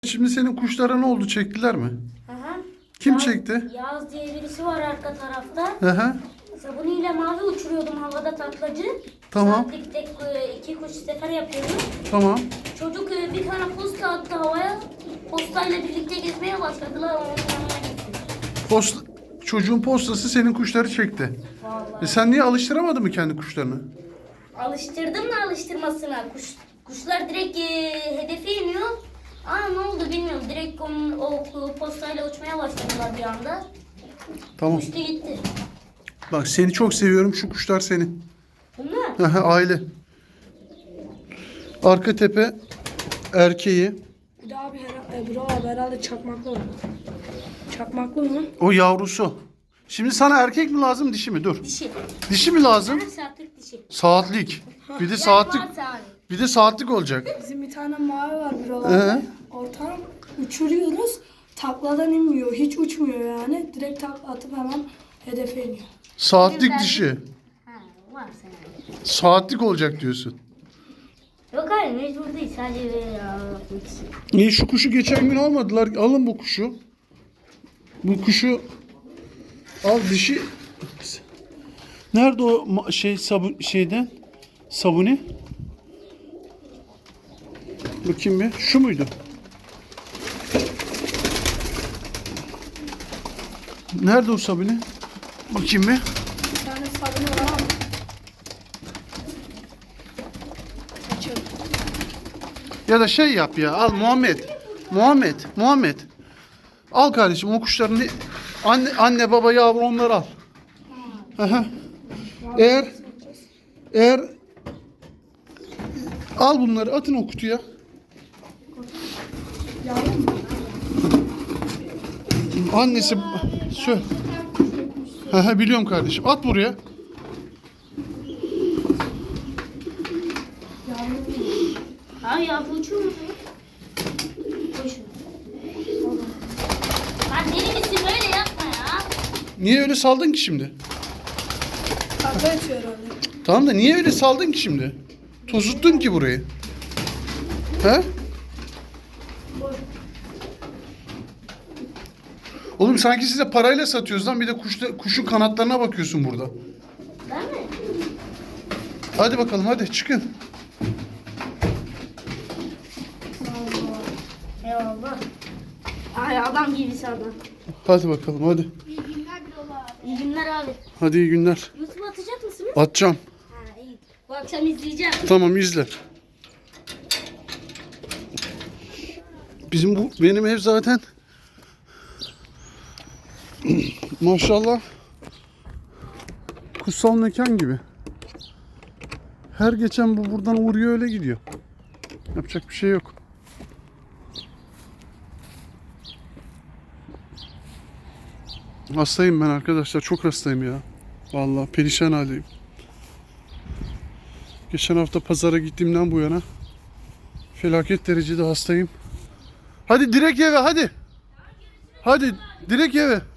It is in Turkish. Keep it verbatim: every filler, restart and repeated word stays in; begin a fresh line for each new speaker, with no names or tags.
Şimdi senin kuşlara ne oldu? Çektiler mi?
Aha.
Kim
Yağız-
çekti?
Yağız diye birisi var arka tarafta.
Hı hı.
Sabuniyle mavi uçuruyordum havada taklacı.
Tamam.
Saatlik tek e, iki kuş sefer yapıyordum.
Tamam.
Çocuk e, bir tane posta attı havaya. Postayla birlikte gezmeye başladılar. Onun yanına gittim.
Post, çocuğun postası senin kuşları çekti.
Vallahi.
E sen niye alıştıramadın mı kendi kuşlarını?
Alıştırdım da alıştırmasına. Kuş, kuşlar direkt e, hedefe iniyor. Aa ne oldu bilmiyorum. Direkt onun, o postayla uçmaya başladılar bir anda.
Tamam.
Uçtu gitti.
Bak seni çok seviyorum. Şu kuşlar senin.
Bunlar.
Hı hı, aile. Arka tepe erkeği.
Bir de abi her, e, bro abi herhalde çakmaklı var. Çakmaklı mı?
O yavrusu. Şimdi sana erkek mi lazım dişi mi? Dur.
Dişi.
Dişi mi lazım?
Her saatlik dişi.
Saatlik. Bir de saatlik.
Yani varsa hani.
Bir de saatlik olacak.
Bizim bir tane mavi var bro
Ee?
abi. Ortam uçuruyoruz. Takladan inmiyor. Hiç uçmuyor yani. Direkt takla atıp hemen hedefe iniyor.
Saatlik dişi.
Ha, varsa yani.
Saatlik olacak diyorsun.
Yok hayır mecbur değil sadece böyle yapmak için.
Niye şu kuşu geçen gün almadılar? Alın bu kuşu. Bu kuşu al dişi. Nerede o ma- şey sabun şeyden? Sabuni? Bakayım bir. Şu muydu? Nerede o sabuni? Bakayım bir.
Bir tane sabunu var ama. Açıyorum.
Ya da şey yap ya. Al Muhammed. Muhammed. Muhammed. Al kardeşim o kuşların anne anne baba yavru onları al. Aha. Eğer eğer al bunları atın o kutuya.
Yavrum mu?
Annesi söyle. Aha, biliyorum kardeşim. At buraya.
Ha ya bu uçuyor mu? Koy şunu. Lan deli misin böyle yapma ya.
Niye öyle saldın ki şimdi?
Takla atıyor herhalde.
Tamam da niye öyle saldın ki şimdi? Tozuttun ki burayı. He? Oğlum sanki size parayla satıyoruz lan. Bir de kuşta, kuşun kanatlarına bakıyorsun burada.
Değil mi?
Hadi bakalım hadi çıkın.
Eyvallah. Ay adam gibisi adam.
Hadi bakalım hadi.
İyi günler abi.
Hadi iyi günler.
YouTube'a atacak mısınız?
Atacağım.
Ha iyi. Bu akşam izleyeceğim.
Tamam izle. Bizim bu benim ev zaten maşallah kutsal mekan gibi. Her geçen bu buradan uğruyor öyle gidiyor. Yapacak bir şey yok. Hastayım ben arkadaşlar. Çok hastayım ya. Vallahi perişan haldeyim. Geçen hafta pazara gittiğimden bu yana felaket derecede hastayım. Hadi direkt eve hadi. Hadi direkt eve.